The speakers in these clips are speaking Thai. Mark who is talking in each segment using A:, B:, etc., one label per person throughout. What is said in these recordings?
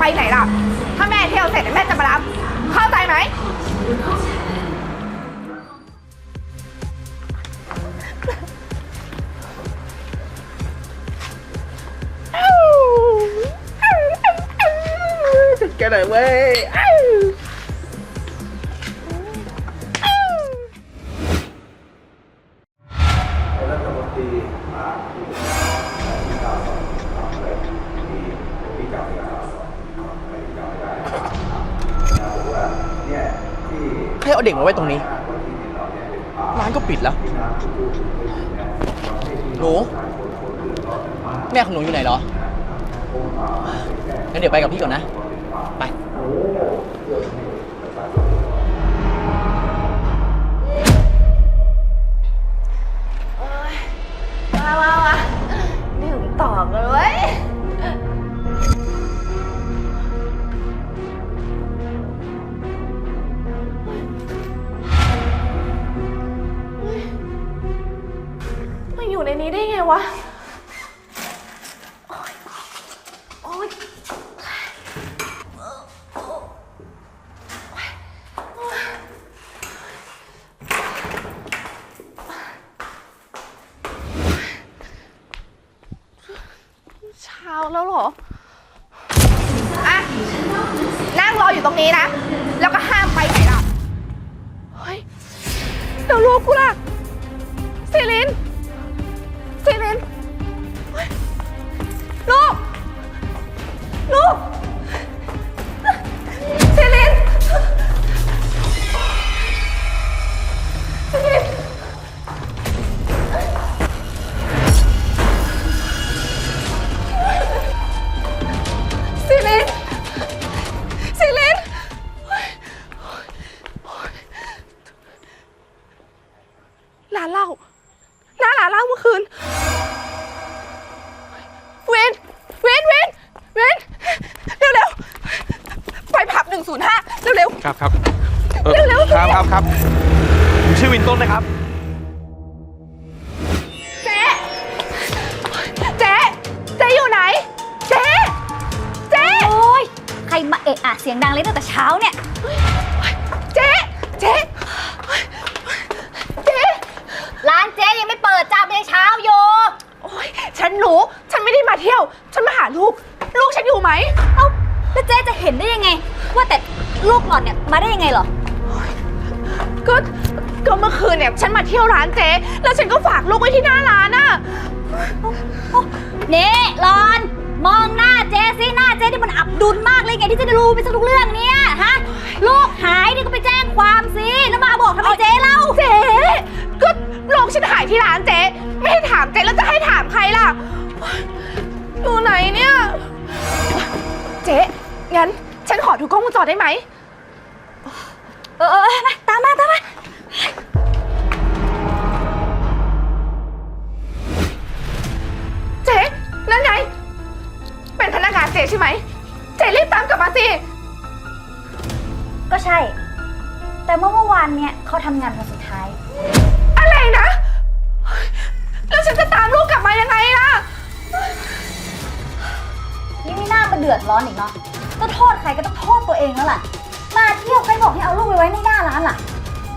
A: ไหนล่ะถ้าแม่เที่ยวเสร็จแม่จะมารับเข้าใจไหม
B: แกไหนเว้ยรัฐมนตรีมาที่ข่าวสดเลยที่เก่าข่าวสดไม่เก่าได้บอกว่าเนี่ยที่ให้เอาเด็กมาไว้ตรงนี้ร้านก็ปิดแล้วหนูแม่ของหนูอยู่ไหนเหรองั้นเดี๋ยวไปกับพี่ก่อนนะไป
A: มาดื่มต่อกันเว้ยมาอยู่ในนี้ได้ไงวะโอ๊ยเช้าแล้วเหรออ่ะนั่งรออยู่ตรงนี้นะแล้วก็ห้ามไปไหนล่ะเฮ้ยเดี๋ยวลูกกูล่ะซีลินเฮ้ยลูกซีลินร้านเหล้าหน้าร้านเหล้าเมื่อคืนเว้นเร็วไปผับ105เร็ว
C: ครับ
A: เร็ว
C: ครับผมชื่อวินต้นนะครับ
A: เจ๊อยู่ไหนเจ๊
D: โอ๊ยใครมาเอะอะเสียงดังเลยตั้งแต่เช้าเนี่ย
A: เจ๊
D: ร้านเจ๊ยังไม่เปิดจ้าไม่ได้เช้าโย
A: โอ๊ยฉันรู้ฉันไม่ได้มาเที่ยวฉันมาหาลูกฉันอยู่ไหม
D: เอ้าแล้วเจ๊จะเห็นได้ยังไงว่าแต่ลูกหล่อนเนี่ยมาได้ยังไงเหรอ
A: ก็เมื่อคืนเนี่ยฉันมาเที่ยวร้านเจ๊แล้วฉันก็ฝากลูกไว้ที่หน้าร้านน่ะ
D: นี่หล่อนมองหน้าเจ๊สิหน้าเจ๊ที่มันอับดุลมากเลยไงที่จะได้รู้ไปซะทุกเรื่องเนี่ยฮะลูกหายนี่ก็ไปแจ้งความสิแล้วมาบอกทำไมเจ๊เล่า
A: เจ๊ก็ลูกฉันหายที่ร้านเจ๊ไม่ให้ถามเจ๊แล้วจะให้ถามใครล่ะอยู่ไหนเนี่ยเจ๊งั้นฉันขอดูกล้องวงจรได้ไหม
D: มาตามมา
A: เจ๊นั่นไงเป็นพนักงานเจ๊ใช่ไหมเจ๊รีบตามกลับมาสิ
D: ก็ใช่แต่เมื่อวานเนี่ยเขาทำงานวันสุดท้าย
A: อะไรนะแล้วฉันจะตามลูกกลับมายังไงล่ะ
D: นี่ไม่น่ามาเดือดร้อนอีกเนาะก็โทษใครก็ต้องโทษตัวเองแล้วล่ะมาเที่ยวใครบอกให้เอาลูกไปไว้ในหน้าร้านล่ะ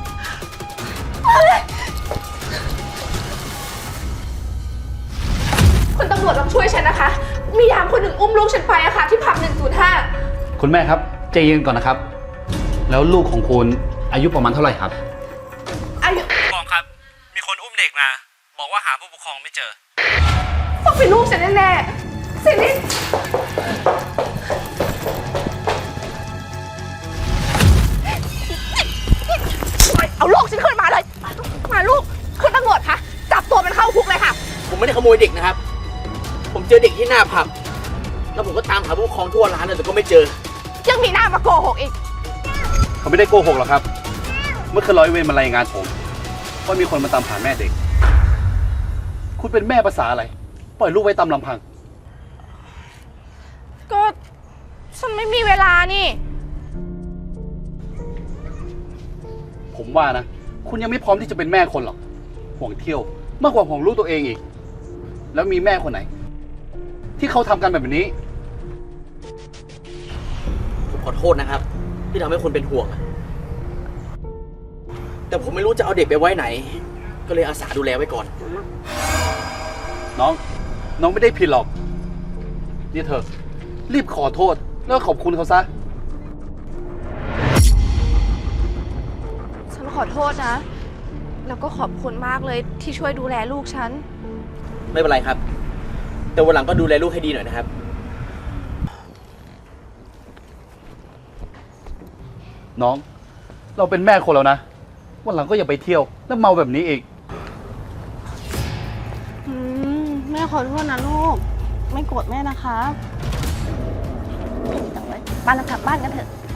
A: คุณตำรวจต้องช่วยฉันนะคะมียามคนหนึ่งอุ้มลูกฉันไปอะค่ะที่ผับ105
B: คุณแม่ครับใจเย็นก่อนนะครับแล้วลูกของคุณอายุประมาณเท่าไหร่ครับ
A: อายุ
C: ผู้ปกครองครับมีคนอุ้มเด็กมาบอกว่าหาผู้ปกครองไม่เจอ
A: ต้องเป็นลูกฉันแน่ๆสิลินเอาลูกฉันขึ้นมาเลยมาลูกคุณตำรวจคะจับตัวมันเข้าคุกเลยค่ะ
B: ผมไม่ได้ขโมยเด็กนะครับผมเจอเด็กที่หน้าผับแล้วผมก็ตามหาผู้ปกครองทั่วร้านแต่ก็ไม่เจอ
A: ยังมีหน้ามาโกหกอีก
C: เขาไม่ได้โกหกหรอกครับเมื่อคืนร้อยเวรมารายงานผมว่ามีคนมาตามหาแม่เด็กคุณเป็นแม่ภาษาอะไรปล่อยลูกไว้ตามลำพัง
A: ก็ฉันไม่มีเวลานี่
C: ผมว่านะคุณยังไม่พร้อมที่จะเป็นแม่คนหรอกห่วงเที่ยวมากกว่าห่วงลูกตัวเองอีกแล้วมีแม่คนไหนที่เขาทำกันแบบนี้
E: อโทษนะครับ ที่ทำให้คุณเป็นห่วงอะแต่ผมไม่รู้จะเอาเด็กไปไว้ไหน ก็เลยอาสาดูแลไว้ก่อน
C: น้องไม่ได้ผิดหรอก นี่เธอ รีบขอโทษ แล้วก็ขอบคุณเขาซะ
A: ฉันขอโทษนะ แล้วก็ขอบคุณมากเลยที่ช่วยดูแลลูกฉัน
E: ไม่เป็นไรครับ แต่วันหลังก็ดูแลลูกให้ดีหน่อยนะครับ
C: น้อง เราเป็นแม่คนแล้วนะ วันหลังก็อย่าไปเที่ยว แล้วเมาแบบนี้อีก
F: แม่ขอโทษนะลูก ไม่โกรธแม่นะคะ
A: บ้านเรากลับบ้านกันเถอะ